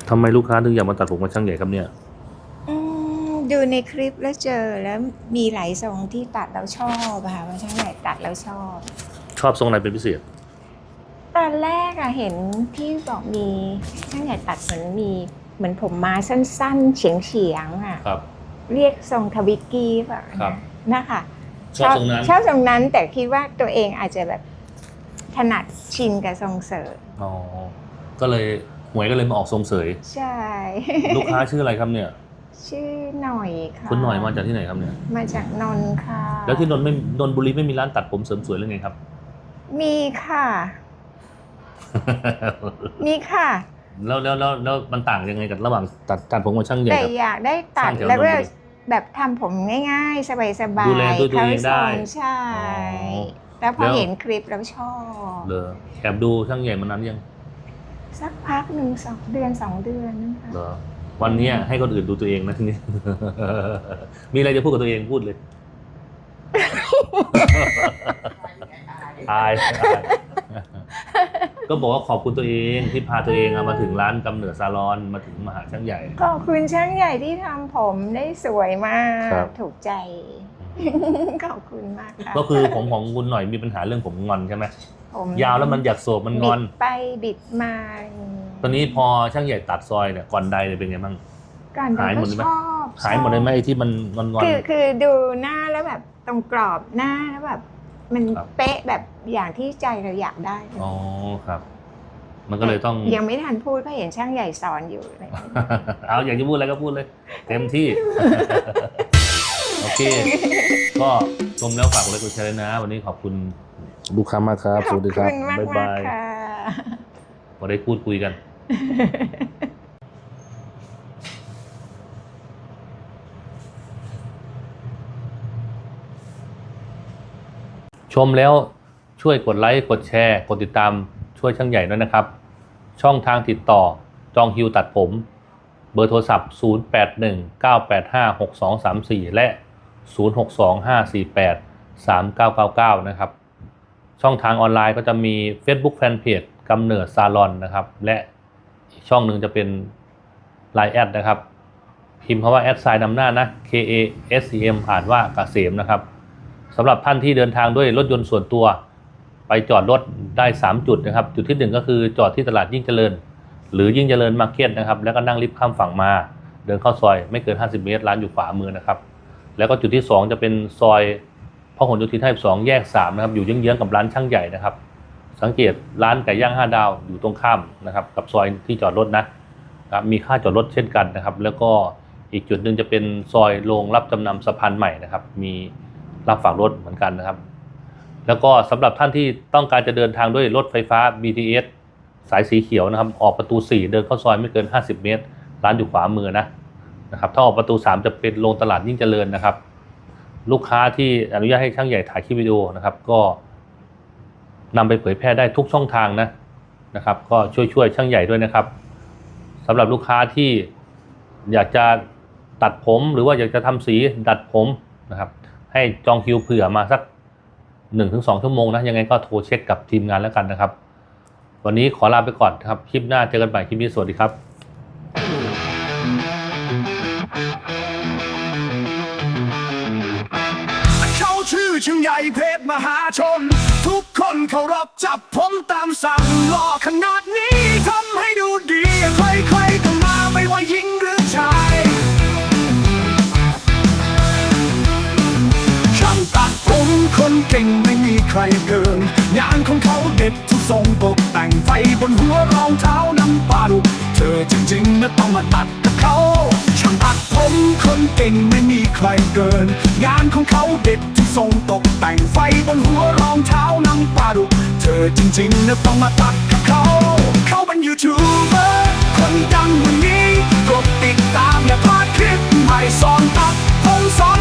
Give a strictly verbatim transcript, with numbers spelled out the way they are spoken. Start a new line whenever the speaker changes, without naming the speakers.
ทำไมลูกค้าถึงอยากมาตัดผมกับช่างใหญ่ครับเนี่ย
ดูในคลิปแล้วเจอแล้วมีหลายทรงที่ตัดแล้วชอบค่ะว่าช่างใหญ่ตัดแล้วชอบ
ชอบทรงไหนเป็นพิเศษ
ตอนแรกอะเห็นที่บอกมีช่างใหญ่ตัดเหมือนมีเหมือนผมมาสั้นๆเฉียงๆอะ
ครับ
เรียกทรงทวิกกี้แบบนะคะ
ชอบทรงนั้น
ชอบทรงนั้นแต่คิดว่าตัวเองอาจจะแบบถนัดชินกับทรงเสย
อ๋อก็เลยหวยก็เลยมาออกทรงเสย
ใช่
ลูกค้าชื่ออะไรครับเนี่ย
ชื่อหน่อยค่ะ
คุณหน่อยมาจากที่ไหนครับเนี่ย
มาจากนนท์ค่ะ
แล้วที่นนท์ไม่นนท์บุรีไม่มีร้านตัดผมเสริมสวยหรือไงครับ
มีค่ะมีค่ะ
แล้วแล้วแล้วแล้วมันต่างยังไงกับระหว่างตัดตัดผมกับช่างใหญ่
แต่อยากได้ตัดแล้วก็แบบทำผมง่ายๆสบายๆ
ดูแลตัวเองได้
ใช่แล้วพอเห็นคลิปแล้วชอบ
เลยแอบดูช่างใหญ่มันนั้นยัง
สักพักหนึ่งสองเดือนสองเดือนนะคะ
เหรอวันนี้ให้คนอื่นดูตัวเองนะทีนี้มีอะไรจะพูดกับตัวเองพูดเลยอายก็บอกว่าขอบคุณตัวเองที่พาตัวเองมาถึงร้านกำเนิดซาลอนมาถึงมหาช่างใหญ่
ขอบคุณช่างใหญ่ที่ทำผมได้สวยมากถูกใจขอบคุณมากค่ะ
ก็คือผมของคุณหน่อยมีปัญหาเรื่องผมงอนใช่ไหมยาวแล้วมันอยากโศกมันงอน
ไปบิดมา
ตอนนี้พอช่างใหญ่ตัดซอยเนี่ยก่อนใดเนี่ยเป็นไงบ้าง
หายหมดเลยไหม
หายหมดเลยไหมไอ้ที่มันงอน
ๆคือคือดูหน้าแล้วแบบตรงกรอบหน้าแล้วแบบมันเป๊ะแบบอย่างที่ใจเราอยากได้
อ๋อครับมันก็เลยต้อง
ยังไม่ทันพูดก็เห็นช่างใหญ่สอนอยู่เลย
เอาอยากจะพูดอะไรก็พูดเลยเต็มที่โอเคก็ชมแล้วฝากกดไลค์กดแชร์นะวันนี้ขอบคุณลูกค้ามากครับสวัสดีครับบ๊ายบายพอได้พูดคุยกันชมแล้วช่วยกดไลค์กดแชร์กดติดตามช่วยช่างใหญ่ด้วยนะครับช่องทางติดต่อจองคิวตัดผมเบอร์โทรศัพท์ศูนย์ แปด หนึ่ง เก้า แปด ห้า หก สอง สาม สี่และศูนย์ หก สอง ห้า สี่ แปด สาม เก้า เก้า เก้านะครับช่องทางออนไลน์ก็จะมี Facebook Fanpage กำเนิดซาลอนนะครับและอีกช่องหนึ่งจะเป็น ไลน์ แอดนะครับพิมพ์คำว่าแอดไซน์นำหน้านะ K A S E M อ่านว่าเกษมนะครับสำหรับท่านที่เดินทางด้วยรถยนต์ส่วนตัวไปจอดรถได้สามจุดนะครับจุดที่หนึ่งก็คือจอดที่ตลาดยิ่งเจริญหรือยิ่งเจริญมาร์เก็ตนะครับแล้วก็นั่งลิฟต์ข้ามฝั่งมาเดินเข้าซอยไม่เกินห้าสิบเมตรร้านอยู่ขวามือนะครับแล้วก็จุดที่สองจะเป็นซอยพหลโยธินห้าสิบสองแยกสามนะครับอยู่เยื้องๆกับร้านช่างใหญ่นะครับสังเกตร้านไก่ย่างห้าดาวอยู่ตรงข้ามนะครับกับซอยที่จอดรถนะครับมีค่าจอดรถเช่นกันนะครับแล้วก็อีกจุดหนึ่งจะเป็นซอยโรงรับจำนำสะพานใหม่นะครับมีรับฝากรถเหมือนกันนะครับแล้วก็สำหรับท่านที่ต้องการจะเดินทางด้วยรถไฟฟ้า บี ที เอส สายสีเขียวนะครับออกประตูสี่เดินเข้าซอยไม่เกินห้าสิบเมตรร้านอยู่ขวามือนะนะครับถ้าออกประตูสามจะเป็นโรงตลาดยิ่งเจริญนะครับลูกค้าที่อนุญาตให้ช่างใหญ่ถ่ายคลิปวิดีโอนะครับก็นำไปเผยแพร่ได้ทุกช่องทางนะนะครับก็ช่วยช่วยช่างใหญ่ด้วยนะครับสำหรับลูกค้าที่อยากจะตัดผมหรือว่าอยากจะทำสีดัดผมนะครับให้จองคิวเผื่อมาสัก หนึ่งถึงสอง ชั่วโมงนะยังไงก็โทรเช็คกับทีมงานแล้วกันนะครับวันนี้ขอลาไปก่อนครับคลิปหน้าเจอกันใหม่คลิปนี้สวัสดีครับ
เขาชื่อช่างใหญ่เพชรมหาชนทุกคนเคารพจับผมตามสั่งหล่อขนาดนี้ทำให้ดูดีใครๆก็มาไม่ว่าหญิงหรือชายช่างตัดผมคนเก่งไม่มีใครเกินงานของเขาเด็ดทุกทรงตกแต่งไฟบนหัวรองเท้าน้ำปลาดุเธอจริงๆนะต้องมาตัดกับเขาช่างตัดผมคนเก่งไม่มีใครเกินงานของเขาเด็ดทุกทรงตกแต่งไฟบนหัวรองเท้าน้ำปลาดุเธอจริงๆนะต้องมาตัดกับเขาเขาเป็นยูทูบเบอร์คนดังวันนี้กดติดตามอย่าพลาดคลิปใหม่สอนตัดผมสอน